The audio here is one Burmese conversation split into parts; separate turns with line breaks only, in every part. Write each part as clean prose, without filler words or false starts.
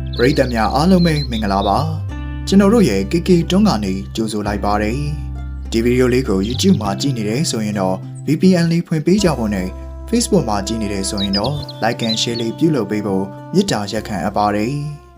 ပရိသတ်များအားလုံးပဲမင်္ဂလာပါကျွန်တော်တို့ရဲ့ KK တွန်းကနေကြိုဆိုလိုက်ပါတယ်ဒီဗီဒီယိုလေးကို YouTube မှာကြည့်နေတယ်ဆိုရင်တော့ VPN လေးဖွင့်ပေးကြဖို့နဲ့ Facebook မှာကြည့်နေတယ်ဆိုရင်တော့ Like and Share လေးပြုလုပ်ပေးဖို့မေတ္တာရက်ခံအပ်ပါတယ်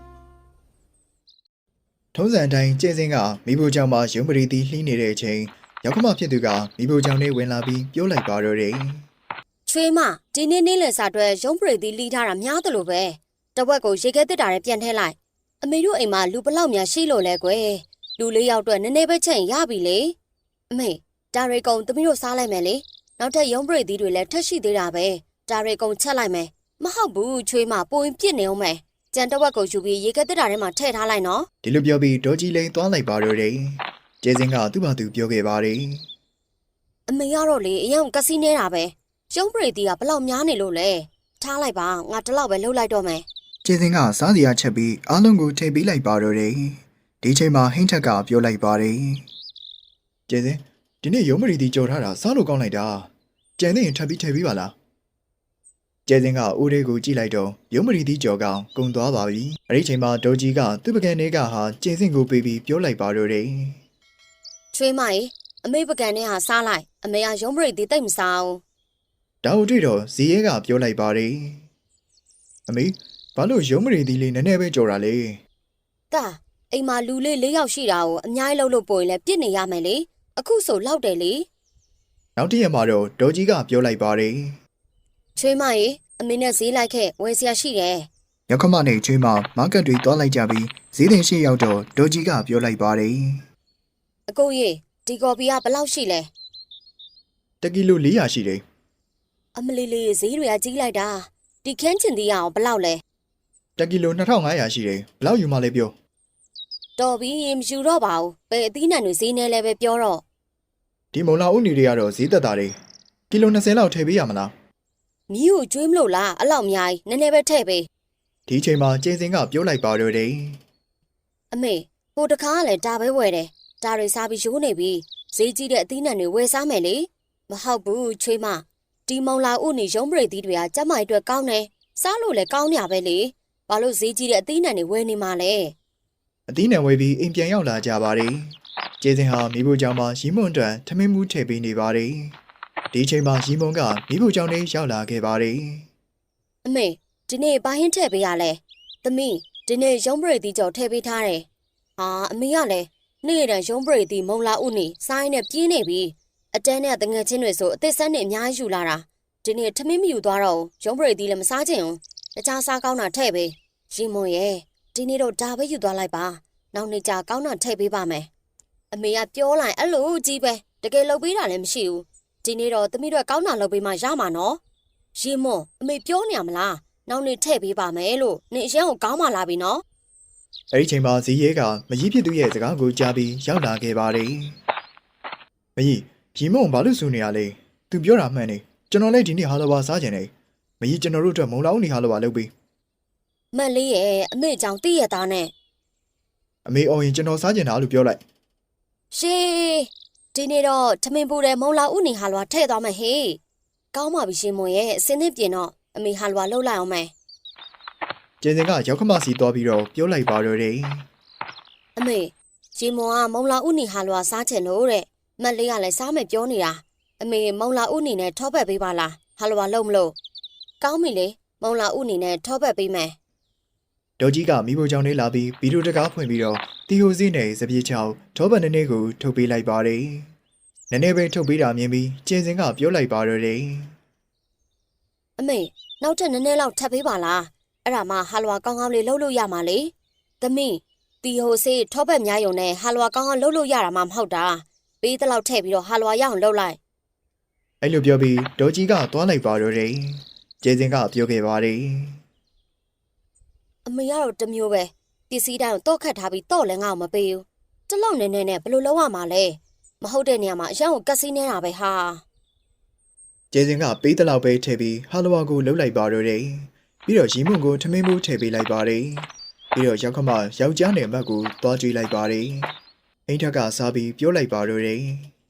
ထုံးစံတိုင်းကျင်းစင်းကမိဖို့ကြောင့်မှရုံးပရိသီလှီးနေတဲ့အချိန်ရောက်ခမဖြစ်သူကမိဖို့ကြောင့်လေးဝင်လာပြီးပြောလိုက်ပါတော့တယ်
ချွေးမဒီနေ့နေ့လယ်စာအတွက်ရုံးပရိသီလှီးထားတာများသလိုပဲတဝက်ကိုရေခဲတစ်တာနဲ့ပြန်ထည့်လိုက်အမေတို့အိမ်မှာလူဘလောက်များရှိလို့လဲကွယ်လူလေးယောက်အတွက်နည်းနည်းပဲချက်ရပြီလေအမေဒါရီကုံသမီးတို့စားလိုက်မယ်လေနောက်ထပ်ရုံးပရိသီတွေလည်းထက်ရှိသေးတာပဲဒါရီကုံချက်လိုက်မယ်မဟုတ်ဘူးချွေးမပိုရင်ပြစ်နေအောင်မယ်ကြံတဝက်ကိုယူပြီးရေခဲတစ်တာထဲမှာထည့်ထားလိုက်နော်
ဒီလိုပြောပြီးဒေါ်ကြီးလိန်သွားလိုက်ပါတော့တယ်ကျင်းစင်းကသူ့ဘာသူပြောခဲ့ပါတယ်
အမေကတော့လေအရင်ကစီနေတာပဲရုံးပရိသီကဘလောက်များနေလို့လဲထားလိုက်ပါငါတလောက်ပဲလှုပ်လိုက်တော့မယ်
ကျင်းစင်းကစားစရာချက်ပြီးအားလုံးကိုထည့်ပေးလိုက်ပါတော့တယ်ဒီချိန်မှာဟိန်းထက်ကပြောလိုက်ပါတယ်ကျင်းစင်းဒီနေ့ရုံးမရီတီကြော်ထားတာစားလို့ကောင်းလိုက်တာကြံသေးရင်ထပ်ပြီးထည့်ပေးပါလားကျင်းစင်းကဦးလေးကိုကြည့်လိုက်တော့ရုံးမရီတီကြော်ကောင်ကုံသွားပါပြီအဲ့ဒီချိန်မှာဒေါ်ကြီးကသူ့ပကံလေးကဟာကျင်းစင်းကိုပေးပြီးပြောလိုက်ပါတော့တယ်
ချွေးမကြီးအမေပကံနဲ့ဟာစားလိုက်အမေကရုံးပရိသီတိတ်မစားဘူး
ဒါကိုတွေ့တော့ဇီရဲကပြောလိုက်ပါတယ်အမေဘာလို့ရုံးမရီတီလေးနည်းနည်းပဲကြော်တာလဲ
တာအိမ်မှာလူလေး၄ယောက်ရှိတာကိုအများကြီးလှုပ်လို့ပိုရင်လည်းပြစ်နေရမယ်လေအခုဆိုလောက်တယ်လေ
နောက်တစ်ရက်မှာတော့ဒေါ်ကြီးကပြောလိုက်ပါတယ်
ချွေးမကြီးအမေနဲ့ဈေးလိုက်ခဲ့ဝယ်စရာရှိတယ်
ရောက်ခမနဲ့ချွေးမမားကတ်တွေသွားလိုက်ကြပြီးဈေးတင်ရှိရောက်တော့ဒေါ်ကြီးကပြောလိုက်ပါတယ်
အကိုကြီးဒီကော်ပီကဘယ်လောက်ရှိလဲ
1 ကီလို400ရှိတယ်
အမလီလေးဈေးတွေကကြီးလိုက်တာဒီခင်းချင်သေးရအောင်ဘယ်လောက်လဲ
1 ကီလို2500ရှိတယ်ဘယ်လောက်ယူမှလဲပြော
တော်ပြီမယူတော့ပါဘူးဘယ်အသီးနှံတွေဈေးနေလဲပဲပြောတော့
ဒီမုံလာဦးနေတွေကတော့ဈေးသက်တာတွေကီလို20လောက်ထည့်ပေးရမလား
မီးကိုကျွေးမလို့လားအဲ့လောက်အများကြီးနည်းနည်းပဲထည့်ပေး
ဒီချိန်မှာကျင်းစင်ကပြောလိုက်ပါတော့တယ်
အမေဟိုတခါကလည်းဒါပဲဝယ်တယ်ဒါတွေစားပြီးရိုးနေပြီဈေးကြီးတဲ့အသီးနှံတွေဝယ်စားမယ်လေမဟုတ်ဘူးချွေးမဒီမုံလာဦးနေရုံးပရိသီတွေကကျမကြီးအတွက်ကောင်းတယ်စားလို့လည်းကောင်းညာပဲလေဘာလို့ဈေးကြီးတဲ့အသီးနှံတွေဝယ်နေမှာလဲ
အသီးနှံဝယ်ပြီးအိမ်ပြန်ရောက်လာကြပါတယ်ကျင်းစင်ဟာမိဖို့ကြောင့်မှရီမွန်တန်ထမင်းမှုထည့်ပေးနေပါတယ်ဒီချိန်မှာရီမွန်ကမိဖို့ကြောင့်လေးရောက်လာခဲ့ပါတယ်
အမေဒီနေ့ဘာဟင်းထည့်ပေးရလဲသမီးဒီနေ့ရုံးပရိသီကြော်ထည့်ပေးထားတယ်ဟာအမေကလည်းနေ့တိုင်းရုံးပရိသီမုံလာဦးနေစားရင်းနဲ့ပြင်းနေပြီအတန်းနဲ့တငယ်ချင်းတွေဆိုအသက်ဆက်နေအများကြီးယူလာတာဒီနေ့ထမင်းမယူသွားတော့ရုံးပရိသီလည်းမစားချင်ဘူးတခြားစားကောင်းတာထည့်ပေးရီမွန်ရဲ့ဒီနေ့တော့ဒါပဲယူသွားလိုက်ပါနောက်နေ့ကျကောင်းတာထည့်ပေးပါမယ်အမေကပြောလိုက်အဲ့လိုကြီးပဲတကယ်လုပ်ပေးတာလည်းမရှိဘူးဒီနေ့တော့သမီးတို့ကောင်းတာလုပ်ပေးမှရမှာနော်ရီမွန်အမေပြောနေရမလားနောက်နေ့ထည့်ပေးပါမယ်လို့နေအရင်ကကောင်းမှလာပြီနော်
အဲ့ဒီချိန်မှာဇီရဲကမကြီးဖြစ်သူရဲ့စကားကိုကြားပြီးရောက်လာခဲ့ပါတယ်မကြီးရီမုံဘာလို့ဆူနေရလဲသူပြောတာမှန်နေကျွန်တော်လည်းဒီနေ့ဟာလိုပါစားကြတယ်မကြီးကျွန်တော်တို့အတွက်မုံလောင်းနေဟာလိုပါလုပ်ပြီး
မန်လေးရဲ့အမေကြောင့်တည့်ရသားနဲ့
အမေအော်ရင်ကျွန်တော်စားကြတာလို့ပြောလိုက်
ရှေးဒီနေ့တော့ထမင်းပူတဲ့မုံလာဦးနေဟာလွာထည့်သွားမယ်ဟေးကောင်းပါပြီရှင်မွန်ရဲ့အစင်းနဲ့ပြင်တော့အမေဟာလွာလှုပ်လိုက်အောင်မယ်
ကျင်းစင်ကရောက်ခမစီသွားပြီးတော့ပြောလိုက်ပါတော့တယ်
အမေရှင်မွန်ကမုံလာဦးနေဟာလွာစားချင်လို့တဲ့မက်လေးကလည်းစားမယ်ပြောနေတာအမေမုံလာဦးနေနဲ့ထောပတ်ပေးပါလားဟာလွာလှုပ်မလို့ကောင်းပြီလေမုံလာဦးနေနဲ့ထောပတ်ပေးမယ်
ဒေါ်ကြီးကမိဖို့ကြောင့်လေးလာပြီးဗီဒီယိုတကားဖွင့်ပြီးတော့တီဟိုစီနဲ့စပြေးချောင်းထောပတ်နည်းနည်းကိုထုတ်ပေးလိုက်ပါတယ်နည်းနည်းပဲထုတ်ပေးတာမြင်ပြီးကျင်းစင်ကပြောလိုက်ပါတော့တယ်
အမေနောက်ထပ်နည်းနည်းလောက်ထပ်ပေးပါလားအဲ့ဒါမှဟာလွာကောင်းကောင်းလေးလှုပ်လို့ရမှာလေသမီးတီဟိုစီထောပတ်များယုံနဲ့ဟာလွာကောင်းကောင်းလှုပ်လို့ရတာမှမဟုတ်တာပေးတလောက်ထည့်ပြီးတော့ဟာလွာရအောင်လှုပ်လိုက်
အဲ့လိုပြောပြီးဒေါ်ကြီးကသွားလိုက်ပါတော့တယ်ကျင်းစင်ကပြောခဲ့ပါတယ်
အမေကတော့တမျိုးပဲပစ္စည်းတိုင်းကိုတော့ခတ်ထားပြီးတော့လည်းငါ့ကိုမပေးဘူးတလောက်နေနေနဲ့ဘယ်လိုလုပ်ရမှာလဲမဟုတ်တဲ့နေရာမှာအရန်ကိုကက်စီးနေတာပဲဟာ
ကျင်းစင်ကပေးတလောက်ပဲထည့်ပြီးဟာလဝါကိုလှုပ်လိုက်ပါတော့တယ်ပြီးတော့ရီမွန်ကိုထမင်းမိုးထည့်ပေးလိုက်ပါတယ်ပြီးတော့ရောက်ခမယောက်ျားနယ်မတ်ကိုသွားကြွေးလိုက်ပါတယ်အိမ်ထက်ကစားပြီးပြောလိုက်ပါတော့တယ်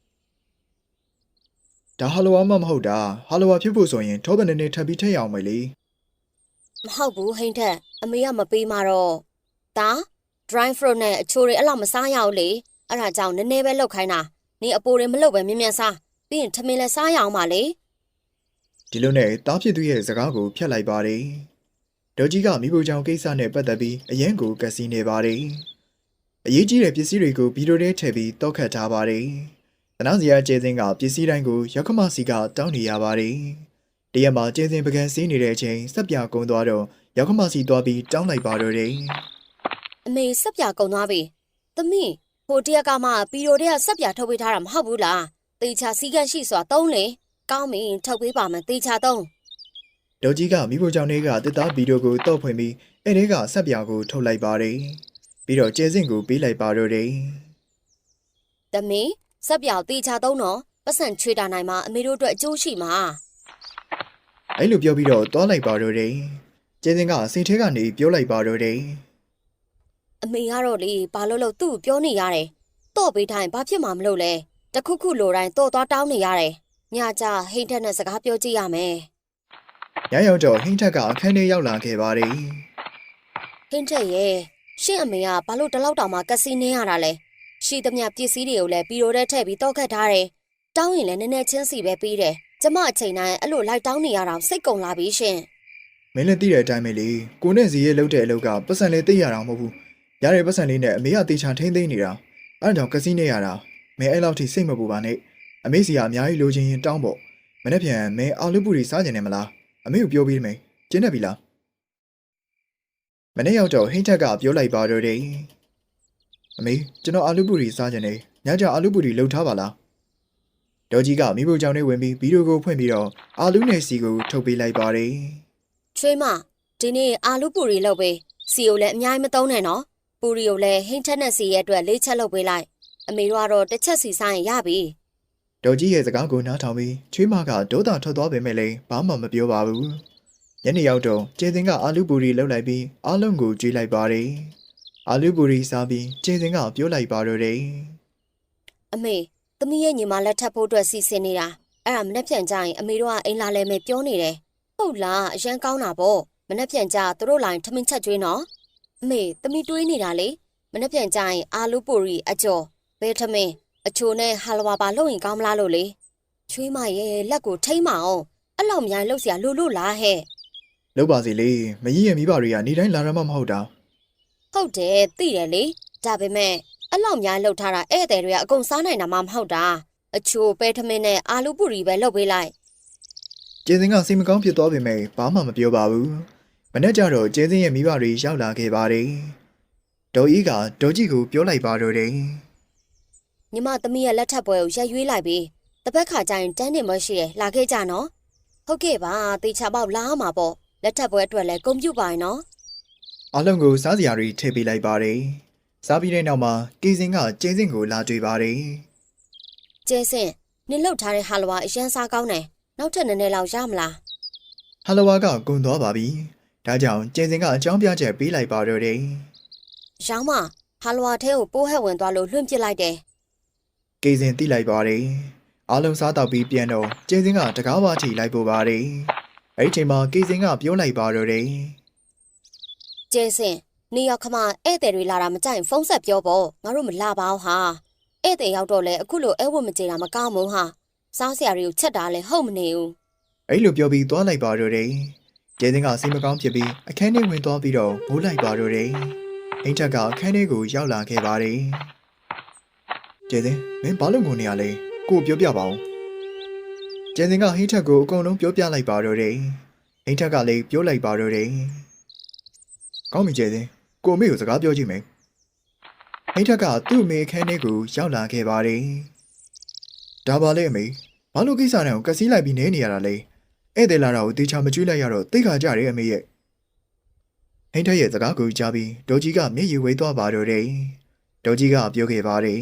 ဒါဟာလဝါမှမဟုတ်တာဟာလဝါဖြစ်ဖို့ဆိုရင်ထောပတ်နည်းနည်းထပ်ပြီးထည့်ရအောင်မယ်လေ
မဟုတ်ဘူးဟိန်းထက်အမေကမပေးမှတော့ဒါ dry fruit နဲ့အချိုတွေအဲ့လောက်မစားရဘူးလေအဲ့ဒါကြောင့်နည်းနည်းပဲလောက်ခိုင်းတာနေအပိုတွေမလုပ်ပဲမြင်မြန်စားပြီးရင်ထမင်းလည်းစားရအောင်ပါလေ
ဒီလိုနဲ့တားဖြစ်သူရဲ့စကားကိုဖျက်လိုက်ပါတယ်ဒေါ်ကြီးကမိဖို့ကြောင့်ကိစ္စနဲ့ပတ်သက်ပြီးအရင်ကိုကစီနေပါတယ်အရေးကြီးတဲ့ပစ္စည်းတွေကိုဗီဒီယိုထဲထည့်ပြီးတောက်ခတ်ထားပါတယ်တနာစရာကျဲစင်းကပစ္စည်းတိုင်းကိုရောက်ခမစီကတောင်းနေရပါတယ်တရက်မှာကျဲစင်းပကံစီးနေတဲ့အချိန်စက်ပြကုန်းသွားတော့ရောက်ခမစီသွားပြီးတောင်းလိုက်ပါတော့တယ်
အမေစက်ပြကုံသွားပြီသမီးဟိုတရက်ကမှပီရိုတဲ့စက်ပြထုတ်ပေးထားတာမဟုတ်ဘူးလားတေချာစီကန့်ရှိစွာသုံးလေကောင်းပြီထုတ်ပေးပါမယ်တေချာသုံး
ဒေါ်ကြီးကမိဖို့ကြောင့်တွေကတစ်သားဗီဒီယိုကိုတောက်ဖွင့်ပြီးအဲ့ဒီကဆက်ပြာကိုထုတ်လိုက်ပါတယ်ပြီးတော့ကျဲစင်ကိုပေးလိုက်ပါတော့တယ်
သမီးစက်ပြတေချာသုံးတော့ပတ်စံချွေတာနိုင်မှာအမေတို့အတွက်အကျိုးရှိမှာ
အဲ့လိုပြောပြီးတော့သွားလိုက်ပါတော့တယ်ကျဲစင်ကစိတ်ထဲကနေပြောလိုက်ပါတော့တယ်
အမေကတော့လေဘာလို့သူ့ကိုပြောနေရတယ်တော့ပေးတိုင်းဘာဖြစ်မှမလို့လဲတခုခုလိုတိုင်းတော့သွားတောင်းနေရတယ်ညကြဟိန်းထက်နဲ့စကားပြောကြည့်ရမယ်
ညရောက်တော့ဟင်းထက်ကအခန်းထဲရောက်လာခဲ့ပါတယ်
ဟင်းထက်ရဲ့ရှင့်အမေကဘာလို့တလောက်တောင်မှကစီနေရတာလဲရှိသမျှပစ္စည်းတွေကိုလည်းပီရိုထဲထည့်ပြီးတောက်ခတ်ထားတယ်တောင်းရင်လည်းနည်းနည်းချင်းစီပဲပြီးတယ်ကျမအချိန်တိုင်းအဲ့လိုလိုက်တောင်းနေရတာစိတ်ကုန်လာပြီရှင်
မင်းလည်းသိတဲ့အတိုင်းပဲလေကိုနဲ့ဇီရဲ့လှုပ်တဲ့အလုပ်ကပတ်စံလေးသိရတာမဟုတ်ဘူးရတဲ့ပတ်စံလေးနဲ့အမေကတေချာထိမ့်သိမ့်နေတာအဲ့ဒါကြောင့်ကစီနေရတာမင်းအဲ့လောက်ထိစိတ်မပူပါနဲ့အမေစီကအများကြီးလိုချင်ရင်တောင်းပေါ့မနေ့ပြန်မင်းအာလူပူရီစားကြတယ်မလားအမေကိုပြောပြီးမယ်ကျင်းနေပြီလားမနေ့ရောက်တော့ဟိန်းထက်ကပြောလိုက်ပါတော့တယ်အမေကျွန်တော်အာလူပူရီစားကြတယ်ညကြအာလူပူရီလှုပ်ထားပါလားဒေါ်ကြီးကမိဖို့ကြောင့်နဲ့ဝင်ပြီးဗီဒီယိုကိုဖွင့်ပြီးတော့အာလူနဲ့စီကိုထုတ်ပေးလိုက်ပါတယ်
ချွေးမဒီနေ့အာလူပူရီလုပ်ပေးစီကိုလည်းအများကြီးမသုံးနဲ့နော်ပူရီကိုလည်းဟင်းထက်နဲ့စီရဲ့အတွက်၄ချက်လုပ်ပေးလိုက်အမေတို့ကတော့တစ်ချက်စီစားရင်ရပြီ
ဒေါ်ကြီးရဲ့စကားကိုနားထောင်ပြီးချွေးမကဒေါသထွက်သွားပေမဲ့လည်းဘာမှမပြောပါဘူးညနေရောက်တော့ကျေစင်ကအာလူပူရီလှုပ်လိုက်ပြီးအားလုံးကိုကြွေးလိုက်ပါတယ်အာလူပူရီစားပြီးကျေစင်ကပြောလိုက်ပါတော့တယ်
အမေသမီးရဲ့ညီမလက်ထပ်ဖို့အတွက်စီစဉ်နေတာအဲ့ဒါမနှက်ပြန်ကြရင်အမေတို့ကအိမ်လာလဲမယ်ပြောနေတယ်ဟုတ်လားအရန်ကောင်းတာပေါ့မနှက်ပြန်ကြသူတို့လိုင်းထမင်းချက်ကျွေးနော်အမေသမီးတွေးနေတာလေမနှက်ပြန်ကြရင်အာလူပူရီအကျော်ဘဲထမင်းအချိုနဲ့ဟာလဝါပါလုပ်ရင်ကောင်းမလားလို့လေချွေးမရဲ့လက်ကိုထိမ့်မအောင်အဲ့လောက်မြိုင်လှုပ်เสียလို့လားဟဲ့
လှုပ်ပါစီလေမကြီးရဲ့မိဘတွေကနေတိုင်းလာရမှမဟုတ်တာ
ဟုတ်တယ်သိတယ်လေဒါပေမဲ့အဲ့လောက်မြိုင်လှုပ်ထားတာဧည့်သည်တွေကအကုန်စားနိုင်တာမှမဟုတ်တာအချိုပဲထမင်းနဲ့အာလူပူရီပဲလုပ်ပေးလိုက်
ကျေစင်ကစိတ်မကောင်းဖြစ်သွားပေမဲ့ဘာမှမပြောပါဘူးမနေ့ကျတော့ကျေစင်ရဲ့မိဘတွေရောက်လာခဲ့ပါတယ်ဒေါ်ကြီးကဒေါ်ကြီးကိုပြောလိုက်ပါတော့တယ်
ညီမသမီးရဲ့လက်ထပ်ပွဲကိုရက်ရွေးလိုက်ပြီးတစ်ပတ်ခါကျရင်တန်းတင်မရှိရလာခဲ့ကြနော်ဟုတ်ကဲ့ပါတေချာပေါက်လာမှာပေါ့လက်ထပ်ပွဲအတွက်လည်းကွန်ပျူတာရနော်
အားလုံးကိုစားစရာတွေထည့်ပေးလိုက်ပါတယ်စားပြီးတဲ့နောက်မှာကေစင်ကကျေစင်ကိုလာတွေ့ပါတယ်
ကျဲစင်နင်လှုပ်ထားတဲ့ဟာလဝါအရန်စားကောင်းတယ်နောက်ထပ်နည်းနည်းလောက်ရမလား
ဟလဝါကကုန်သွားပါပြီဒါကြောင့်ကျေစင်ကအကြောင်းပြချက်ပေးလိုက်ပါတော့တယ်
ရောင်းမဟာလဝါထဲကိုပိုးဟက်ဝင်သွားလို့လွှင့်ပစ်လိုက်တယ်
ကေစင်တိလိုက်ပါတယ်အားလုံးစားတော့ပြီးပြန်တော့ကျေစင်ကတကားဝါချီလိုက်ပို့ပါတယ်အဲ့ဒီချိန်မှာကေစင်ကပြောလိုက်ပါတော့တယ်
ကျဲစင်နေရောက်ခမဧည့်သည်တွေလာတာမကြိုက်ဖုန်းဆက်ပြောပေါ့ငါတို့မလာပါဘူးဟာဧည့်သည်ရောက်တော့လဲအခုလိုအဲဝတ်မကြေတာမကောင်းဘူးဟာစားစရာတွေကိုချက်တာလဲဟုတ်မနေဘူး
အဲ့လိုပြောပြီးသွားလိုက်ပါတော့တယ်ကျေစင်ကစိတ်မကောင်းဖြစ်ပြီးအခန်းထဲဝင်သွားပြီးတော့မိုးလိုက်ပါတော့တယ်အိမ်ထက်ကအခန်းထဲကိုရောက်လာခဲ့ပါတယ်ကျေစင်မင်းဘာလို့ငုံနေရလဲကိုပြောပြပါဦးကျေစင်ကဟိန်းထက်ကိုအကုန်လုံးပြောပြလိုက်ပါတော့တယ်ဟိန်းထက်ကလည်းပြောလိုက်ပါတော့တယ်ကောင်းပြီကျေစင်ကိုအမေကိုစကားပြောကြည့်မယ်ဟိန်းထက်ကသူ့အမေအခန်းထဲကိုရောက်လာခဲ့ပါတယ်ဒါပါလေအမေဘာလို့ကိစ္စနဲ့ကိုကစီးလိုက်ပြီးနေရတာလဲဧည့်သည်လာတာကိုတေချာမကျွေးလိုက်ရတော့သိခါကြတယ်အမေရဲ့ဟိန်းထက်ရဲ့စကားကိုကြားပြီးဒေါ်ကြီးကမျက်ရည်ဝေးသွားပါတော့တယ်ဒေါ်ကြီးကပြောခဲ့ပါတယ်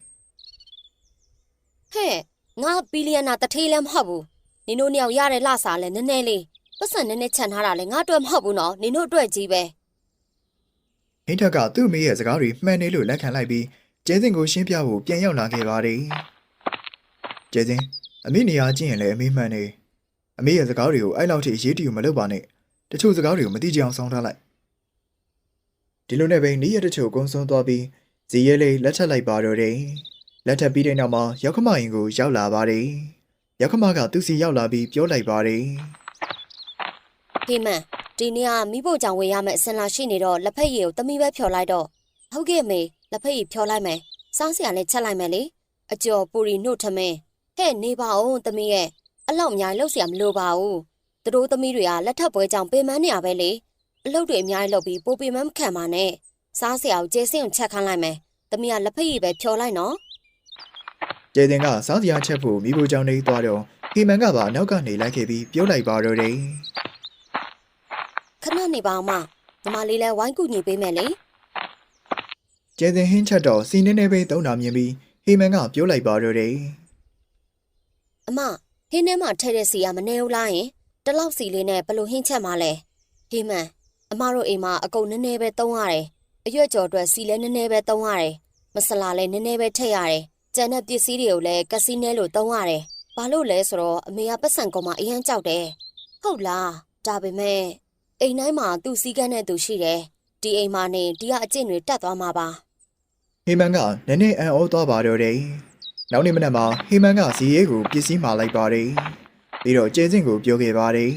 ဟဲ့ငါဘီလီယံနာတထေးလည်းမဟုတ်ဘူးနင်တို့နှစ်ယောက်ရတဲ့လှစားလဲနည်းနည်းလေးပတ်စံနည်းနည်းချန်ထားတာလဲငါအတွက်မဟုတ်ဘူးနော်နင်တို့အတွက်ကြီးပဲ
ဟိန်းထက်ကသူ့အမေရဲ့စကားတွေမှန်နေလို့လက်ခံလိုက်ပြီးကျဲစင်ကိုရှင်းပြဖို့ပြန်ရောက်လာခဲ့ပါတယ်ကျဲစင်အမေနေရာကျင့်ရင်လည်းအမေမှန်နေအမေရဲ့စကားတွေကိုအဲ့လောက်ထိအရေးတယူမလုပ်ပါနဲ့တချို့စကားတွေကိုမသိကြအောင်ဆောင်းထားလိုက်ဒီလိုနဲ့ပဲနေ့ရက်တချို့ကုန်းဆုံးသွားပြီးဇီရဲလေးလက်ထပ်လိုက်ပါတော့တယ်လက်ထပ်ပြီးတဲ့နောက်မှာရောက်ခမရင်ကိုရောက်လာပါတယ်ရောက်ခမကသူ့စီရောက်လာပြီးပြောလိုက်ပါတယ်
ဟေးမန်ဒီနေ့ကမိဖို့ကြောင့်ဝင်ရမယ့်အစင်လာရှိနေတော့လက်ဖက်ရည်ကိုသမီးပဲဖြော်လိုက်တော့ဟုတ်ကဲ့မေလက်ဖက်ရည်ဖြော်လိုက်မယ်စားစရာလည်းချက်လိုက်မယ်လေအကျော်ပူရီနှုတ်ထမင်းဟဲ့နေပါဦးသမီးရဲ့အလောက်အများကြီးလှုပ်စရာမလိုပါဘူးသူတို့သမီးတွေကလက်ထပ်ပွဲကြောင့်ပေမန်းနေရပဲလေအလုပ်တွေအများကြီးလုပ်ပြီးပိုပေမန်းမခံပါနဲ့စားစရာကိုကျေစင်းကိုချက်ခိုင်းလိုက်မယ်သမီးကလက်ဖက်ရည်ပဲဖြော်လိုက်နော်
ကျေတင်ကစားစရာချက်ဖို့မိဖို့ကြောင့်နေသွားတော့ဟီမန်ကပါနောက်ကနေလိုက်ခဲ့ပြီးပြောလိုက်ပါတော့တယ်
ခဏနေပါအောင်မညီမလေးလည်းဝိုင်းကူညီပေးမယ်လေ
ကျေတင်ဟင်းချက်တော့စီနေနေပဲသုံးတာမြင်ပြီးဟီမန်ကပြောလိုက်ပါတော့တယ်
အမဟင်းထဲမှာထည့်တဲ့စီကမနေဘူးလားယင်တလောက်စီလေးနဲ့ဘလို့ဟင်းချက်မှလဲဟေးမန်အမတို့အိမ်မှာအကုန်နည်းနည်းပဲသုံးရတယ်အရွက်ကြော်အတွက်စီလည်းနည်းနည်းပဲသုံးရတယ်မဆလာလည်းနည်းနည်းပဲထည့်ရတယ်ကျန်တဲ့ပစ္စည်းတွေကိုလည်းကစီနဲလို့သုံးရတယ်ဘာလို့လဲဆိုတော့အမေကပတ်စံကောင်မအရန်ကြောက်တယ်ဟုတ်လားဒါပေမဲ့အိမ်တိုင်းမှာသူ့စည်းကမ်းနဲ့သူရှိတယ်ဒီအိမ်မှာနေဒီကအကျင့်တွေတက်သွားမှာပါ
ဟီမန်ကနည်းနည်းအံ့ဩသွားပါတော့တယ်နောက်နေ့မနက်မှာဟီမန်ကဇီရဲကိုပစ္စည်းမှာလိုက်ပါတယ်ပြီးတော့ကျေစင်ကိုပြောခဲ့ပါတယ်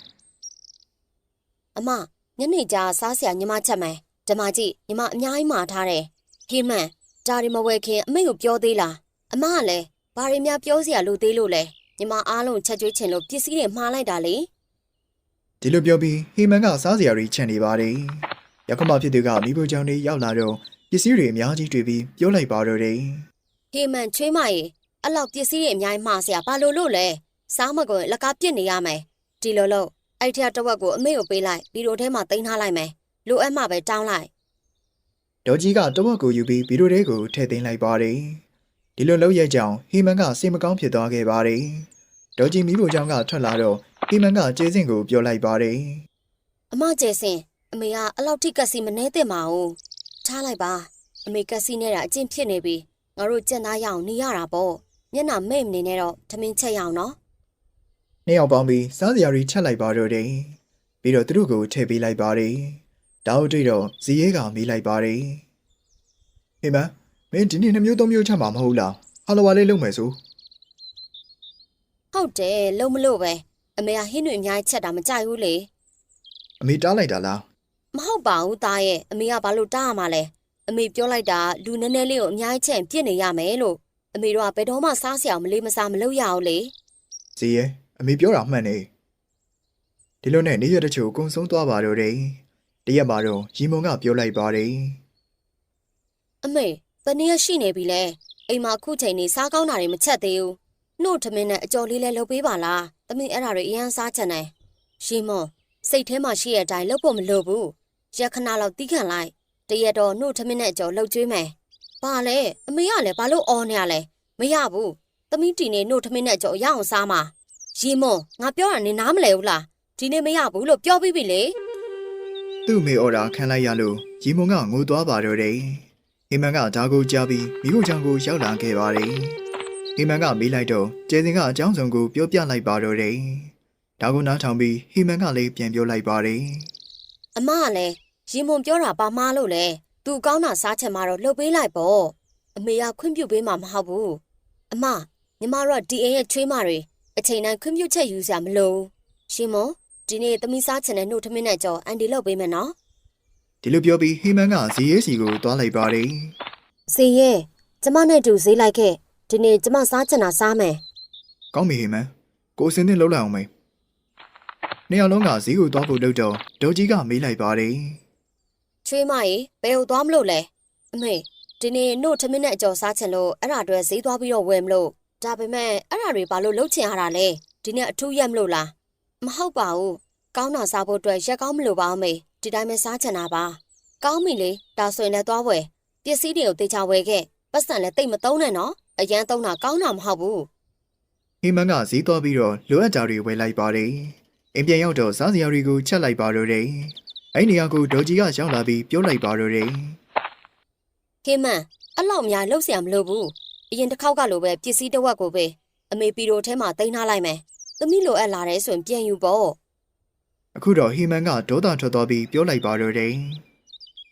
အမညနေကျစားစရာညီမချက်မယ်ဓမ္မကြီးညီမအများကြီးမှာထားတယ်ဟေးမန်ဒါရီမဝဲခင်အမေကိုပြောသေးလားအမကလည်းဘာတွေများပြောစရာလိုသေးလို့လဲညီမအားလုံးချက်ကျွေးချင်လို့ပစ္စည်းတွေမှားလိုက်တာလေ
ဒီလိုပြောပြီးဟီမန်ကစားစရာတွေချန်နေပါတယ်ရောက်ခမဖြစ်သူကမိဖို့ကြောင့်နေရောက်လာတော့ပစ္စည်းတွေအများကြီးတွေ့ပြီးပြောလိုက်ပါတော့တယ်
ဟေးမန်ချွေးမရေအဲ့လောက်ပစ္စည်းတွေအများကြီးမှားစရာဘာလို့လို့လဲစားမကွန်လက်ကားပြစ်နေရမယ်ဒီလိုလို့အဲ့ထက်တစ်ဝက်ကိုအမေကိုပေးလိုက်ပြီးတော့ထဲမှာတင်ထားလိုက်မယ်လိုအပ်မှပဲတောင်းလိုက်
ဒေါ်ကြီးကတဝက်ကိုယူပြီးဗီဒီယိုထဲကိုထည့်သိမ်းလိုက်ပါတယ်ဒီလိုလုပ်ရကြောင်းဟီမန်ကစိတ်မကောင်းဖြစ်သွားခဲ့ပါတယ်ဒေါ်ကြီးမိဖို့ကြောင့်ကထွက်လာတော့ဟီမန်ကကျေစင်ကိုပြောလိုက်ပါတယ်
အမကျဲစင်အမေကအလောက်ထိကက်စီမနှဲတဲ့မအောင်ထားလိုက်ပါအမေကက်စီနဲ့တာအကျင့်ဖြစ်နေပြီငါတို့ကြက်သားရအောင်နေရတာပေါ့မျက်နှာမိတ်မနေနဲ့တော့ထမင်းချက်ရအောင်နော်
နှစ်ယောက်ပေါင်းပြီးစားစရာတွေချက်လိုက်ပါတော့တယ်ပြီးတော့သူတို့ကိုထည့်ပေးလိုက်ပါတယ်ဒါတို့တွေ့တော့ဇီရဲကမေးလိုက်ပါတယ်ဟီမန်မင်းဒီနေ့2မျိုး3မျိုးချက်မှာမဟုတ်လားဟာလဝါလေးလုပ်မယ်ဆို
ဟုတ်တယ်လုံးမလို့ပဲအမေကဟင်းတွေအများကြီးချက်တာမကြိုက်ဘူးလေ
အမေတားလိုက်တာလား
မဟုတ်ပါဘူးသားရဲ့အမေကဘာလို့တားရမှာလဲအမေပြောလိုက်တာလူနည်းနည်းလေးကိုအများကြီးချက်ပြစ်နေရမယ်လို့အမေတို့ကဘယ်တော့မှစားစရာမလေးမစားမလုပ်ရအောင်လေ
ဇီရဲအမေပြောတာမှန်နေဒီလိုနဲ့နေ့ရက်တချို့ကုံဆုံးသွားပါတော့တယ်တရက်မှာတော့ရီမုံကပြောလိုက်ပါတယ်
အမေတနေ့ရရှိနေပြီလဲအိမ်မှာခုချိန်နေစားကောင်းတာတွေမချက်သေးဘူးနှုတ်ထမင်းနဲ့အကျော်လေးလဲလုပ်ပေးပါလားသမီးအဲ့ဒါတွေအရင်စားချင်တယ်ရီမွန်စိတ်ထဲမှာရှိတဲ့အတိုင်းလုပ်ဖို့မလိုဘူးရက်ခဏလောက်တီးခံလိုက်တရက်တော့နှုတ်ထမင်းနဲ့အကျော်လှုပ်ကျွေးမယ်ဘာလဲအမေကလည်းဘာလို့အော်နေရလဲမရဘူးသမီးတီနေနှုတ်ထမင်းနဲ့အကျော်ရအောင်စားမှာရီမွန်ငါပြောတာနေနားမလဲဘူးလားဒီနေ့မရဘူးလို့ပြောပြီးပြီလေ
သူ့မေအော်ဒါခံလိုက်ရလို့ရီမုံကငိုသွားပါတော့တယ်ဟီမန်ကဒါကိုကြားပြီးမိဖို့ကြောင့်ကိုရောက်လာခဲ့ပါတယ်ဟီမန်ကမေးလိုက်တော့ကျေစင်ကအကြောင်းစုံကိုပြောပြလိုက်ပါတော့တယ်ဒါကိုနားထောင်ပြီးဟီမန်ကလည်းပြန်ပြောလိုက်ပါတယ်
အမကလည်းရီမွန်ပြောတာပါမားလို့လေသူကောင်းတာစားချင်မှတော့လှုပ်ပေးလိုက်ပေါ့အမေကခွင့်ပြုပေးမှာမဟုတ်ဘူးအမညီမတို့ကဒီအိမ်ရဲ့ချွေးမတွေအချိန်တိုင်းခွင့်ပြုချက်ယူစရာမလိုရီမွန်ဒီနေ့သမီးစားချင်တဲ့နှုတ်ထမင်းနဲ့ကြော်အန်ဒီလုပ်ပေးမယ်နော်
ဒီလိုပြောပြီးဟီမန်ကဇီရဲစီကိုသွားလိုက်ပါတယ်
စေရဲ့ကျမနဲ့တူဈေးလိုက်ခဲ့ဒီနေ့ကျမစားချင်တာစားမယ်
ကောင်းပြီဟီမန်ကိုစင်းနဲ့လှုပ်လိုက်အောင်မေးနှစ်ယောက်လုံးကဇီကိုသွားဖို့လုပ်တော့ဒေါ်ကြီးကမေးလိုက်ပါတယ်
ချွေးမရေဘယ်ကိုသွားမလို့လဲအမေဒီနေ့နှုတ်ထမင်းနဲ့အကျော်စားချင်လို့အဲ့ဒါအတွက်ဈေးသွားပြီးတော့ဝယ်မလို့ဒါပေမဲ့အဲ့ဒါတွေဘာလို့လှုပ်ချင်ရတာလဲဒီနေ့အထူးရက်မလို့လားမဟုတ်ပါဘူးကောင်းတာစားဖို့အတွက်ရက်ကောင်းမလို့ပါအမေဒီတိုင်းပဲစားချင်တာပါကောင်းပြီလေဒါဆိုရင်လည်းသွားဝယ်ပစ္စည်းတွေကိုတေချာဝယ်ခဲ့ပတ်စံလည်းတိတ်မသုံးနဲ့နော်အရန်သုံးတာကောင်းတာမဟုတ်ဘူး
ဟီမန်ကဈေးသွားပြီးတော့လိုအပ်တာတွေဝယ်လိုက်ပါတယ်အိမ်ပြန်ရောက်တော့စားစရာတွေကိုချက်လိုက်ပါတော့တယ်အဲ့နေရာကိုဒေါ်ကြီးကရောက်လာပြီးပြောလိုက်ပါတော့တယ်
ဟေးမန်အဲ့လောက်များလှုပ်เสียမလို့ဘူးအရင်တစ်ခေါက်ကလိုပဲပစ္စည်းတစ်ဝက်ကိုပဲအမေပီရိုထဲမှာတင်ထားလိုက်မယ်သမီးလိုအပ်လာတယ်ဆိုရင်ပြန်ယူပေါ့
အခုတော့ဟီမန်ကဒေါသထွက်သွားပြီးပြောလိုက်ပါတော့တယ်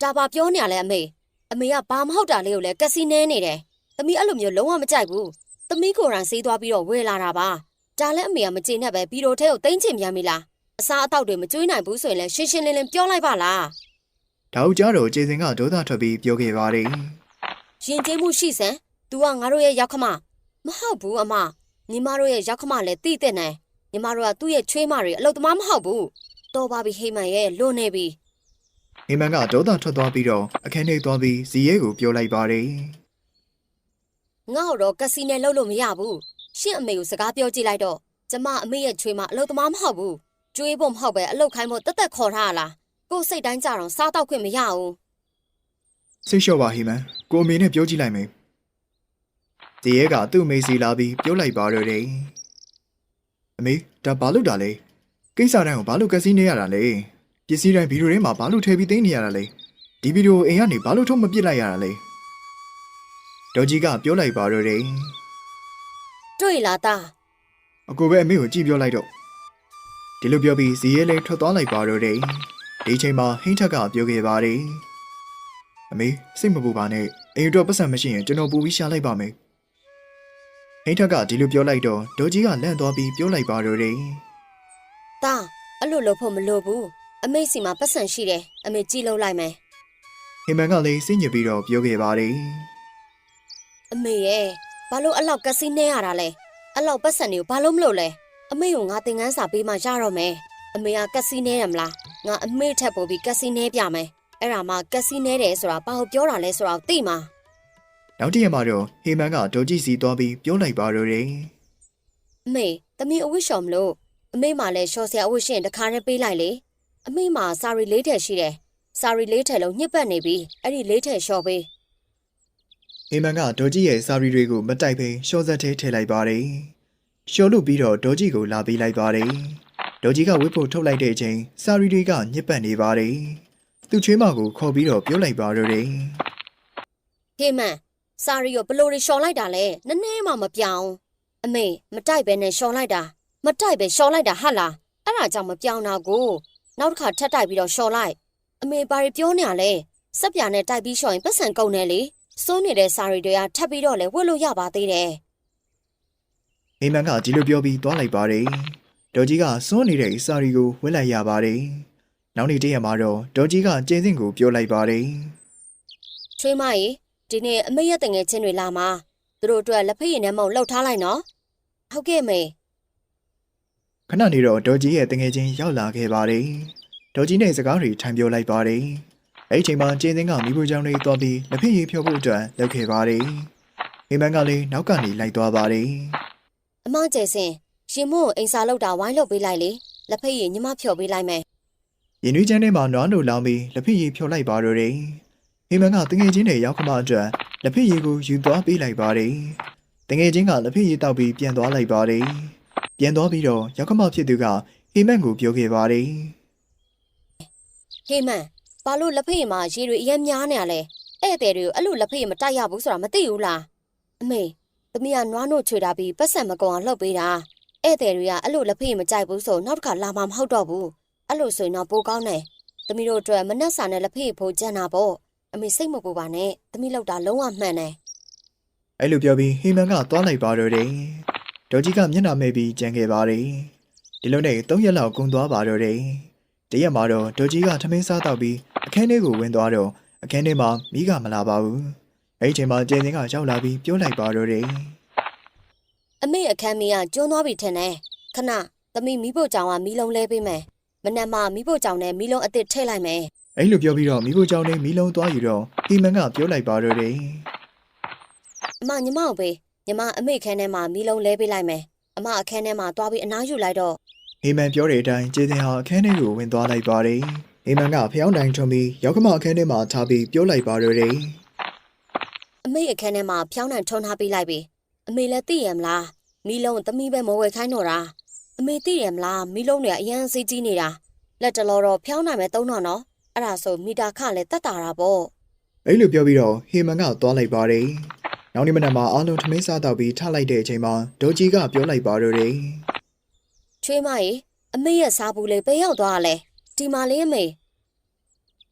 ဒါပါပြောနေရလဲအမေကဘာမဟုတ်တာလေးကိုလည်းကက်စီနဲနေတယ်သမီးအဲ့လိုမျိုးလုံးဝမကြိုက်ဘူးသမီးကိုယ်တိုင်ဆေးသွားပြီးတော့ဝယ်လာတာပါဒါလည်းအမေကမကျေနပ်ပဲပြီးတော့ထဲကိုတင်းချင်ပြန်ပြီလားအစားအသောက်တွေမကျွေးနိုင်ဘူးဆိုရင်လည်းရှင်းရှင်းလင်းလင်းပြောလိုက်ပါလား
ဒါဦးကြတော့ကျေစင်ကဒေါသထွက်ပြီးပြောခဲ့ပါတယ်
ရင်ကျေးမှုရှိစမ်း तू ကငါတို့ရဲ့ရောက်ခမမဟုတ်ဘူးအမညီမတို့ရဲ့ရောက်ခမလည်းတိတဲ့နေညီမတို့ကသူ့ရဲ့ချွေးမတွေအလုပ်သမားမဟုတ်ဘူးတော်ပါပြီဟိမန်ရဲ့လွန်နေပြီ
ဟိမန်ကဒေါသထွက်သွားပြီးတော့အခန်းထဲသွားပြီးဇီရဲကိုပြောလိုက်ပါတယ်
ငါ့တော့ကက်စီနဲ့လှုပ်လို့မရဘူးရှင့်အမေကိုစကားပြောကြည့်လိုက်တော့ကျမအမေရဲ့ချွေးမအလုပ်သမားမဟုတ်ဘူးကျွေးဖို့မဟုတ်ပဲအလုပ်ခိုင်းဖို့တက်တက်ခေါ်ထားရလားကိုယ်စိတ်တိုင်းကြတော့စားတော့ခွင့်မရဘူး
စိတ်လျှော့ပါဟိမန်ကိုအမေနဲ့ပြောကြည့်လိုက်မယ်ဇီရဲကသူ့အမေစီလာပြီးပြောလိုက်ပါတော့တယ်အမေဒါဘာလို့တာလဲကိစ္စတိုင်းကိုဘာလို့ကက်စီနေရတာလဲပစ္စည်းတိုင်းဗီဒီယိုထဲမှာဘာလို့ထည့်ပြီးသိမ်းနေရတာလဲဒီဗီဒီယိုအိမ်ကနေဘာလို့ထုတ်မပစ်လိုက်ရတာလဲဒေါ်ကြီးကပြောလိုက်ပါတော့တယ်
တွေ့လားသား
အကိုပဲအမေကိုကြည့်ပြောလိုက်တော့ဒီလိုပြောပြီးဇီရဲလည်းထွက်သွားလိုက်ပါတော့တယ်ဒီချိန်မှာဟိန်းထက်ကပြောခဲ့ပါတယ်အမေစိတ်မပူပါနဲ့အိမ်အတွက်ပတ်စံမရှိရင်ကျွန်တော်ပူပြီးရှာလိုက်ပါမယ်ဟိန်းထက်ကဒီလိုပြောလိုက်တော့ဒေါ်ကြီးကလန့်သွားပြီးပြောလိုက်ပါတော့တယ်
သားအဲ့လိုလုပ်ဖို့မလိုဘူးအမေစီမှာပတ်စံရှိတယ်အမေကြည့်လို့လိုက်မယ်
ဟိမန်ကလည်းစိတ်ညစ်ပြီးတော့ပြောခဲ့ပါတယ်
အမေရဲ့ဘာလို့အဲ့လောက်ကက်စီနဲရတာလဲအဲ့လောက်ပတ်စံတွေကိုဘာလို့မလုပ်လဲအမေကိုငါသင်ခန်းစာပေးမှရတော့မယ်အမေကကက်စီနဲတယ်မလားငါအမေထက်ပိုပြီးကက်စီနဲပြမယ်အဲ့ဒါမှကက်စီနဲတယ်ဆိုတာဘာလို့ပြောတာလဲဆိုတာသိမှာ
နောက်တစ်ရက်မှာတော့ဟိမန်ကဒေါ်ကြီးစီသွားပြီးပြောလိုက်ပါတော့တယ်
အမေသမီးအဝတ်လျှော်မလို့အမေမှလည်းလျှော်စရာအဝတ်ရှင်တစ်ခါနဲ့ပေးလိုက်လေအမေမှစာရီလေးထည်ရှိတယ်စာရီလေးထည်လုံးညှစ်ပတ်နေပြီအဲ့ဒီလေးထည်လျှော်ပေး
ဟိမန်ကဒေါ်ကြီးရဲ့စာရီတွေကိုမတိုက်ဘဲရှော့ဆက်ထဲထည့်လိုက်ပါတယ်ရှော့လို့ပြီးတော့ဒေါ်ကြီးကိုလာပေးလိုက်ပါတယ်ဒေါ်ကြီးကဝတ်ဖို့ထုတ်လိုက်တဲ့အချိန်စာရီတွေကညစ်ပတ်နေပါတယ်သူ့ချွေးမကိုခေါ်ပြီးတော့ပြောလိုက်ပါတော့တယ်
ဟေးမန်စာရီကိုဘလို့လျှော်လိုက်တာလဲနည်းနည်းမှမပြောင်းအမေမတိုက်ပဲနဲ့လျှော်လိုက်တာမတိုက်ပဲလျှော်လိုက်တာဟာလားအဲ့ဒါကြောင့်မပြောင်းတာကိုနောက်တစ်ခါထပ်တိုက်ပြီးတော့လျှော်လိုက်အမေဘာတွေပြောနေရလဲစက်ပြာနဲ့တိုက်ပြီးလျှော်ရင်ပတ်စံကုန်တယ်လေစိုးနေတဲ့စာရီတွေကထပ်ပြီးတော့လဲဝတ်လို့ရပါသေးတယ်
ဟိမန်ကဒီလိုပြောပြီးသွားလိုက်ပါတယ်ဒေါ်ကြီးကစွန်းနေတဲ့စာရီကိုဝတ်လိုက်ရပါတယ်နောက်နေ့တည့်ရက်မှာတော့ဒေါ်ကြီးကကျင်းစင်ကိုပြောလိုက်ပါတယ်
ချွေးမကြီးဒီနေ့အမေရဲ့တငယ်ချင်းတွေလာမှာသူတို့အတွက်လက်ဖက်ရည်နဲ့မုံလှုပ်ထားလိုက်နော်ဟုတ်ကဲ့မေ
ခဏနေတော့ဒေါ်ကြီးရဲ့တငယ်ချင်းရောက်လာခဲ့ပါတယ်ဒေါ်ကြီးနဲ့စကားတွေထိုင်ပြောလိုက်ပါတယ်အဲ့ဒီချိန်မှာကျင်းစင်ကမိဖို့ကြောင့်လေးသွားပြီးလက်ဖက်ရည်ဖြောဖို့အတွက်လုပ်ခဲ့ပါတယ်ဟိမန်ကလည်းနောက်ကနေလိုက်သွားပါတယ်
အမကျဲစင်ရင်မို့အိမ်စာလောက်တာဝိုင်းလုပ်ပေးလိုက်လေလက်ဖက်ရည်ညီမဖြော်ပေးလိုက်မယ်
ရင်နွေးချမ်းထဲမှာနွားနိုလောင်းပြီးလက်ဖက်ရည်ဖြောလိုက်ပါတော့တယ်ဟိမန်ကတငယ်ချင်းတွေရောက်ခမအတွက်လက်ဖက်ရည်ကိုယူသွားပေးလိုက်ပါတယ်တငယ်ချင်းကလက်ဖက်ရည်တောက်ပြီးပြန်သွားလိုက်ပါတယ်ပြန်သွားပြီးတော့ရောက်ခမဖြစ်သူကဟိမန်ကိုပြောခဲ့ပါတယ်
ဟေးမန်ဘာလို့လက်ဖက်ရည်မှာရေတွေအရင်များနေရလဲဧည့်သည်တွေကိုအဲ့လိုလက်ဖက်ရည်မတိုက်ရဘူးဆိုတာမသိဘူးလားအမေသမီးကနွားနို့ချွေတာပြီးပတ်စံမကုန်အောင်လှုပ်ပေးတာဧည့်သည်တွေကအဲ့လိုလက်ဖက်ရည်မကြိုက်ဘူးဆိုနောက်တစ်ခါလာမှမဟုတ်တော့ဘူးအဲ့လိုဆိုရင်တော့ပိုကောင်းတယ်သမီးတို့အတွက်မနှက်စာနဲ့လက်ဖက်ရည်ဖို့ကြံတာပေါ့အမေစိတ်မပူပါနဲ့သမီးလောက်တာလုံးဝမှန်တယ်
အဲ့လိုပြောပြီးဟိမန်ကသွားလိုက်ပါတော့တယ်ဒေါ်ကြီးကမျက်နှာမဲပြီးကြံခဲ့ပါတယ်ဒီလိုနဲ့3ရက်လောက်ကုန်သွားပါတော့တယ်တရက်မှာတော့ဒေါ်ကြီးကထမင်းစားတော့ပြီးအခန်းထဲကိုဝင်သွားတော့အခန်းထဲမှာမိကမလာပါဘူးအဲ့ဒီချိန်မှာကျင်းစင်ကရောက်လာပြီးပြောလိုက်ပါတော့တယ်
အမေအခန်းမင်းကကျွန်းသွားပြီထင်တယ်ခဏသမီးမီးဖို့ကြောင်ကမီးလုံးလဲပေးမယ်မနက်မှမီးဖို့ကြောင်နဲ့မီးလုံးအစ်စ်ထည့်လိုက်မယ်
အဲ့လိုပြောပြီးတော့မိဖို့ကြောင့်နေမီးလုံးသွားယူတော့ဟီမန်ကပြောလိုက်ပါတော့တယ်
အမညီမကိုပေးညီမအမေခန်းထဲမှာမီးလုံးလဲပေးလိုက်မယ်အမအခန်းထဲမှာသွားပြီးအနားယူလိုက်တော့
ဟီမန်ပြောတဲ့အတိုင်းကျေစင်ဟာအခန်းထဲကိုဝင်သွားလိုက်ပါတယ်ဟီမန်ကဖျောင်းတိုင်ထွန်ပြီးရောက်ခမအခန်းထဲမှာထားပြီးပြောလိုက်ပါတော့တယ်
အမေအခန်းထဲမှာဖျောင်းနိုင်ထွန်းထားပေးလိုက်ပြီအမေလည်းသိရမလားမီးလုံးသမီးပဲမဝယ်ခိုင်းတော့တာအမေသိရမလားမီးလုံးတွေကအရန်စေးကြီးနေတာလက်တလောတော့ဖျောင်းနိုင်မယ်သုံးတော့နော်အဲ့ဒါဆိုမီတာခလည်းတတ်တာတာပေါ့
အဲ့လိုပြောပြီးတော့ဟီမန်ကသွားလိုက်ပါတယ်နောက်နေ့မနက်မှာအားလုံးထမင်းစားတော့ပြီးထလိုက်တဲ့အချိန်မှာဒေါ်ကြီးကပြောလိုက်ပါတော့တယ်
ချွေးမကြီးအမေရဲ့စားဘူးလေးပဲရောက်သွားရလဲဒီမှာလေးအမေ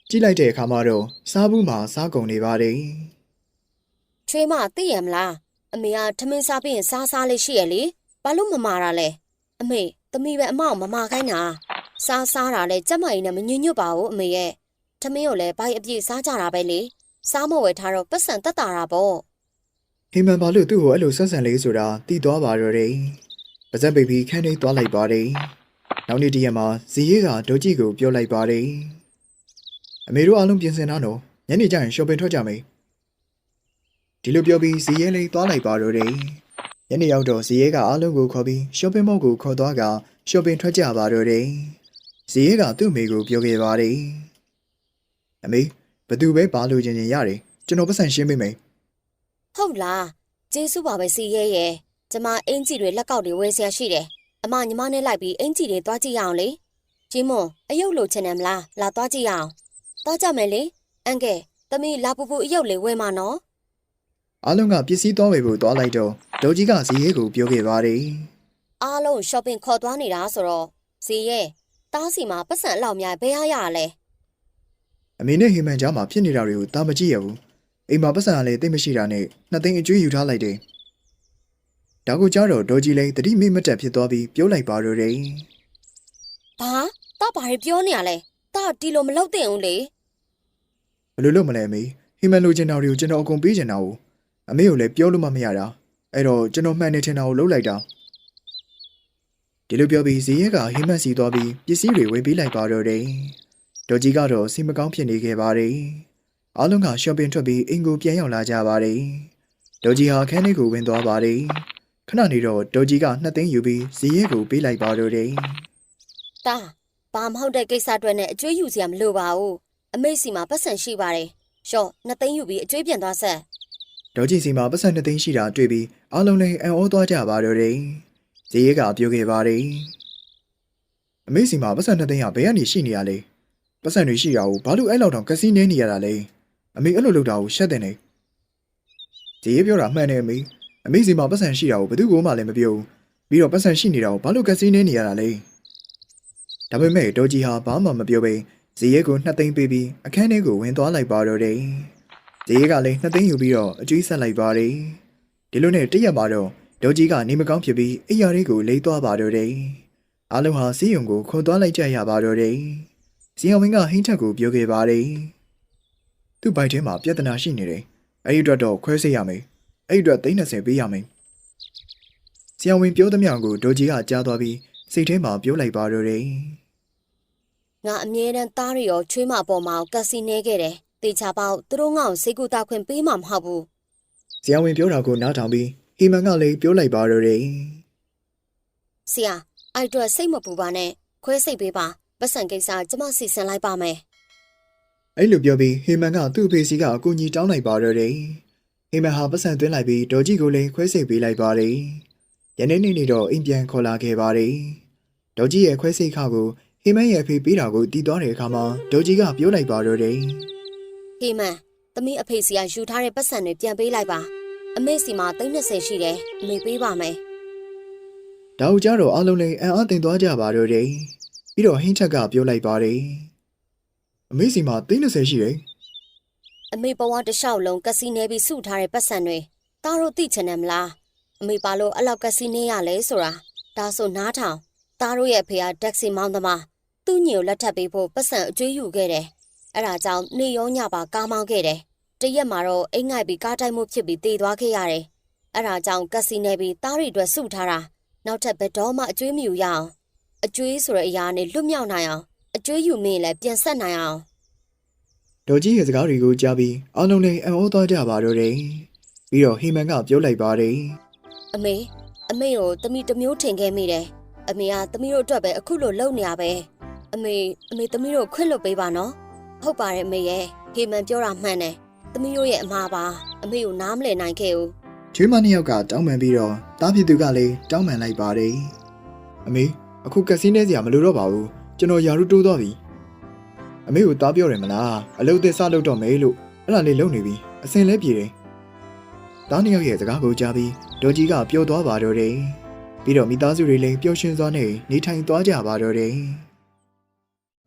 ကြည့်လိုက်တဲ့အခါမှာတော့စားဘူးမှာစားကုန်နေပါတယ်
ချွေးမသိရမလားအမေကထမင်းစားပြီးရင်စားလေးရှိရလေဘာလို့မမာတာလဲအမေသမီးပဲအမအောင်မမာခိုင်းတာစားတာလဲကြက်မကြီးနဲ့မညွညွတ်ပါဘူးအမေရဲ့ထမင်းကိုလည်းဘိုက်အပြည့်စားကြတာပဲလေစားမဝယ်ထားတော့ပတ်စံတက်တာပေါ့
ဟိမန်ဘာလို့သူ့ကိုအဲ့လိုဆက်ဆံလေးဆိုတာသိသွားပါတော့တယ်ပါဇက်ပိတ်ပြီးခန်းထဲသွားလိုက်ပါတယ်နောက်နေ့တရက်မှာဇီရဲကဒေါ်ကြီးကိုပြောလိုက်ပါတယ်အမေတို့အားလုံးပြင်ဆင်ထားတော့ညနေကျရင်ရှော့ပင်ထွက်ကြမယ်ဒီလိုပြောပြီးဇီရဲလေးသွားလိုက်ပါတော့တယ်ညနေရောက်တော့ဇီရဲကအားလုံးကိုခေါ်ပြီးရှော့ပင်မောက်ကိုခေါ်သွားကရှော့ပင်ထွက်ကြပါတော့တယ်ဇီရဲကသူ့အမေကိုပြောခဲ့ပါတယ်အမေဘသူပဲပါလို့ချင်းရတယ်ကျွန်တော်ပတ်စံရှင်းပေးမယ်
ဟုတ်လားကျေးဇူးပါပဲစီရဲရဲ့ကျမအင်ကြီးတွေလက်ကောက်တွေဝယ်ဆရာရှိတယ်အမညီမနဲ့လိုက်ပြီးအင်ကြီးတွေသွားကြည့်ရအောင်လေကြီးမွန်အယုတ်လိုချင်တယ်မလားလာသွားကြည့်ရအောင်သွားကြမယ်လေအန်ကဲသမီးလာပူပူအယုတ်လေးဝယ်မှာနော်
အားလုံးကပစ္စည်းသွားဝယ်ဖို့သွားလိုက်တော့ဒေါ်ကြီးကဇီရဲကိုပြောခဲ့ပါတယ်
အားလုံးရှော့ပင်ခေါ်သွားနေတာဆိုတော့စီရဲတားစီမှာပတ်စံအလောက်များဘယ်ရရလဲ
အမေနဲ့ဟိမန်ကြားမှာဖြစ်နေတာတွေကိုတာမကြည့်ရဘူးအိမ်မှာပတ်စံကလည်းတိတ်မရှိတာနဲ့နှစ်သိန်းအကျွေးယူထားလိုက်တယ်ဒါကိုကြားတော့ဒေါ်ကြီးလည်းတတိမိမတက်ဖြစ်သွားပြီးပြောလိုက်ပါတော့တယ်
ဘာတားဘာတွေပြောနေရလဲတားဒီလိုမလုပ်သင့်ဘူးလေ
ဘယ်လိုလုပ်မလဲအမေဟိမန်လိုချင်တာတွေကိုကျွန်တော်အကုန်ပေးချင်တာကိုအမေကိုလည်းပြောလို့မှမရတာအဲ့တော့ကျွန်တော်မှန်နေချင်တာကိုလုပ်လိုက်တာဒီလိုပြောပြီးဇီရဲကဟိမန်စီသွားပြီးပစ္စည်းတွေဝယ်ပေးလိုက်ပါတော့တယ်ဒေါ်ကြီးကတော့စိတ်မကောင်းဖြစ်နေခဲ့ပါတယ်အားလုံးကရှော့ပင်ထွက်ပြီးအင်ကိုပြန်ရောက်လာကြပါတယ်ဒေါ်ကြီးဟာခန်းထဲကိုဝင်သွားပါတယ်ခဏနေတော့ဒေါ်ကြီးက2သိန်းယူပြီးဇီရဲကိုပေးလိုက်ပါတော့တယ်
တားဘာမဟုတ်တဲ့ကိစ္စအတွက်နဲ့အကျွေးယူစရာမလိုပါဘူးအမေစီမှာပတ်စံရှိပါတယ်ရှော့2သိန်းယူပြီးအကျွေးပြန်သွားဆက်
ဒေါ်ကြီးစီမှာပတ်စံ2သိန်းရှိတာတွေ့ပြီးအားလုံးလည်းအံ့ဩသွားကြပါတော့တယ်ဇီရဲကပြောခဲ့ပါတယ်အမေစီမှာပတ်စံ2သိန်းကဘယ်ကနေရှိနေရလဲပတ်စံတွေရှိတာကိုဘာလို့အဲ့လောက်တောင်ကစီနေနေရတာလဲအမေအဲ့လိုလုပ်တာကိုရှက်တဲ့နေဇီရဲပြောတာမှန်တယ်အမေစီမှာပတ်စံရှိတာကိုဘယ်သူမှလည်းမပြောဘူးပြီးတော့ပတ်စံရှိနေတာကိုဘာလို့ကစီနေနေရတာလဲဒါပေမဲ့ဒေါ်ကြီးဟာဘာမှမပြောဘဲဇီရဲကို2သိန်းပေးပြီးအခန်းထဲကိုဝင်သွားလိုက်ပါတော့တယ်ဇီရဲကလည်း2သိန်းယူပြီးတော့အကျွေးဆက်လိုက်ပါတယ်ဒီလိုနဲ့တရက်မှာတော့ဒေါ်ကြီးကနေမကောင်းဖြစ်ပြီးအိယာလေးကိုလိမ့်သွားပါတော့တယ်အားလုံးဟာစီးရုံကိုခေါ်သွားလိုက်ကြရပါတော့တယ်ဇီယဝင်းကဟိန်းထက်ကိုပြောခဲ့ပါတယ်သူ့ဘိုက်ထဲမှာပြဿနာရှိနေတယ်အဲ့ဒီအတွက်တော့ခွဲစိတ်ရမယ်အဲ့ဒီအတွက်30ပေးရမယ်ဇီယဝင်းပြောသမျှကိုဒေါ်ကြီးကကြားသွားပြီးစိတ်ထဲမှာပြောလိုက်ပါတော့တယ်
ငါအမြဲတမ်းသားရရောချွေးမပေါ်မှာကက်စီနေခဲ့တယ်တေချာပေါက်သူတို့ငါ့ကိုစိတ်ကူတာခွင့်ပေးမှာမဟုတ်ဘူး
ဇီယဝင်းပြောတာကိုနားထောင်ပြီးဟီမန်ကလည်းပြောလိုက်ပါတော့တယ်
ဆရာအဲ့အတွက်စိတ်မပူပါနဲ့ခွဲစိတ်ပေးပါပတ်စံကိစ္စကျမစီစဉ်လိုက်ပါမယ်
အဲ့လိုပြောပြီးဟီမန်ကသူ့အဖေစီကအကူကြီးတောင်းလိုက်ပါတော့တယ်ဟီမန်ဟာပတ်စံသွင်းလိုက်ပြီးဒေါ်ကြီးကိုလည်းခွဲစိတ်ပေးလိုက်ပါတယ်ယနေ့နေ့တော့အိမ်ပြန်ခေါ်လာခဲ့ပါတယ်ဒေါ်ကြီးရဲ့ခွဲစိတ်ခါကိုဟီမန်ရဲ့အဖေပေးတာကိုတီးသွားတဲ့အခါမှာဒေါ်ကြီးကပြောလိုက်ပါတော့တယ်
ဟေးမန်သမီးအဖေစီကယူထားတဲ့ပတ်စံတွေပြန်ပေးလိုက်ပါအမေစီမှာ30ရှိတယ်အမေပေးပါမယ်
ဒါကိုကြားတော့အားလုံးလည်းအံ့အားသင့်သွားကြပါတော့တယ်ပြီးတော့ဟင်းချက်ကပြောလိုက်ပါတယ်အမေစီမှာ30ရှိတယ်
အမေဘဝတစ်လျှောက်လုံးကက်စီနေပြီးစုထားတဲ့ပတ်စံတွေတားတို့သိချင်တယ်မလားအမေပါလို့အဲ့လောက်ကက်စီနေရလဲဆိုတာဒါဆိုနားထောင်တားတို့ရဲ့အဖေကဒက်ဆီမောင်းသမားသူ့ညီကိုလက်ထပ်ပေးဖို့ပတ်စံအကျွေးယူခဲ့တယ်အဲ့ဒါကြောင့်နေရောညပါကားမောင်းခဲ့တယ်တရက်မှာတော့အိမ်ငိုက်ပြီးကားတိုက်မှုဖြစ်ပြီးတေသွားခဲ့ရတယ်အဲ့ဒါကြောင့်ကက်စီနေပြီးတားတွေအတွက်စုထားတာနောက်ထပ်ဘယ်တော့မှအကျွေးမယူရအောင်အကျွေးဆိုတဲ့အရာနဲ့လွတ်မြောက်နိုင်အောင်အကျွေးယူမင်းလည်းပြန်ဆက်နိုင်အောင်
ဒေါ်ကြီးရဲ့စကားတွေကိုကြားပြီးအားလုံးလည်းအံ့ဩသွားကြပါတော့တယ်ပြီးတော့ဟီမန်ကပြောလိုက်ပါတယ်
အမေကိုသမီးတစ်မျိုးထင်ခဲ့မိတယ်အမေကသမီးတို့အတွက်ပဲအခုလိုလုပ်နေရပဲအမေသမီးတို့ခွင့်လွတ်ပေးပါနော်ဟုတ်ပါတယ်အမေရဲ့ဟေမန်ပြောတာမှန်တယ်သမီးတို့ရဲ့အမှားပါအမေကိုနားမလည်နိုင်ခဲ့ဘူး
ချွေးမနှစ်ယောက်ကတောင်းပန်ပြီးတော့တားဖြစ်သူကလည်းတောင်းပန်လိုက်ပါတယ်အမေအခုကက်စီနဲစရာမလိုတော့ပါဘူးကျွန်တော်ယာရုတိုးသွားပြီအမေကိုတားပြောတယ်မလားအလုပ်သစ်စလုပ်တော့မယ်လို့အဲ့ဒါလေးလုပ်နေပြီအစင်လဲပြေတယ်တားနှစ်ယောက်ရဲ့စကားကိုကြားပြီးဒေါ်ကြီးကပျော်သွားပါတော့တယ်ပြီးတော့မိသားစုတွေလည်းပျော်ရွှင်စွာနဲ့နေထိုင်သွားကြပါတော့တယ်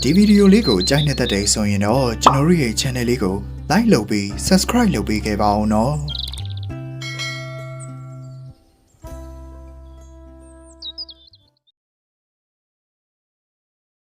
ဒီဗီဒီယိုလေးကိုကြိုက်နေတဲ့တဲ့ဆိုရင်တော့ကျွန်တော်တို့ရဲ့ channel လေးကို like လုပ်ပြီး subscribe လုပ်ပေးခဲ့ပါဦးနော်